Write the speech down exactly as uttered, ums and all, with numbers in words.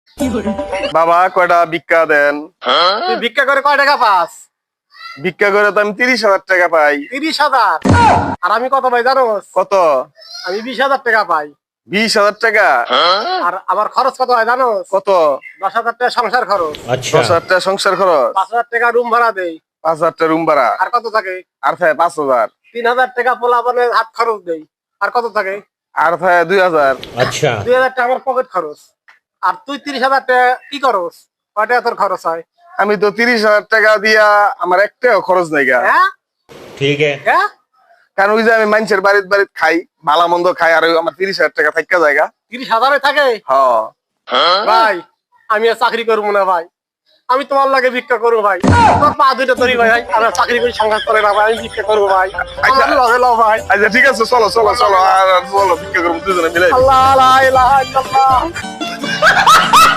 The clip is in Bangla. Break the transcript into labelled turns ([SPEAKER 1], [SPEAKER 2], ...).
[SPEAKER 1] বাবা কয়টা ভিক্ষা দেন।
[SPEAKER 2] তুই ভিক্ষা করে কয় টাকা পাস?
[SPEAKER 1] ভিক্ষা করে তো আমি তিরিশ হাজার টাকা পাই।
[SPEAKER 2] তিরিশ হাজার? আর আমি কত পাই জানো?
[SPEAKER 1] কত?
[SPEAKER 2] আমি বিশ হাজার টাকা পাই।
[SPEAKER 1] বিশ হাজার টাকা?
[SPEAKER 2] আর আমার খরচ কত হয় জানো?
[SPEAKER 1] কত?
[SPEAKER 2] দশ হাজার টাকা সংসার খরচ।
[SPEAKER 1] দশ হাজার টাকা সংসার খরচ।
[SPEAKER 2] পাঁচ হাজার টাকা রুম ভাড়া দেই।
[SPEAKER 1] পাঁচ হাজার টাকা রুম ভাড়া।
[SPEAKER 2] আর কত থাকে?
[SPEAKER 1] আর থাকে পাঁচ হাজার।
[SPEAKER 2] তিন হাজার টাকা পোলাপানের হাত খরচ দেই। আর কত থাকে?
[SPEAKER 1] আর থাকে দুই হাজার।
[SPEAKER 3] আচ্ছা
[SPEAKER 2] দুই হাজার টাকা আমার পকেট খরচ। আর তুই তিরিশ হাজার টাকা কি খরচ? কয় টাকা তোর খরচ হয়?
[SPEAKER 1] আমি তো তিরিশ হাজার টাকা দিয়া আমার একটাও খরচ নাই গা।
[SPEAKER 2] হ্যাঁ
[SPEAKER 3] ঠিক है
[SPEAKER 2] হ্যাঁ
[SPEAKER 1] কারণ ওই যে আমি মানুষের বাড়িতে বাড়িতে খাই, ভালো মন্দ খাই, আর ওই আমার তিরিশ হাজার টাকা থাকা জায়গা।
[SPEAKER 2] তিরিশ হাজারে থাকে?
[SPEAKER 1] হ্যাঁ
[SPEAKER 2] ভাই আমি আর চাকরি করবো না ভাই, আমি তোমার লাগে ভিক্ষা করবো ভাই। তোর পা দুইটা ধরি ভাই, আমি আর চাকরি করে সংঘাত করে না ভাই, আমি ভিক্ষা করবো ভাই। আমার লগে লও ভাই।
[SPEAKER 1] আচ্ছা ঠিক আছে, চলো চলো চলো আর চলো ভিক্ষা করবো দুজনে মিলে।
[SPEAKER 2] আল্লাহ লা ইলাহা ইল্লাল্লাহ।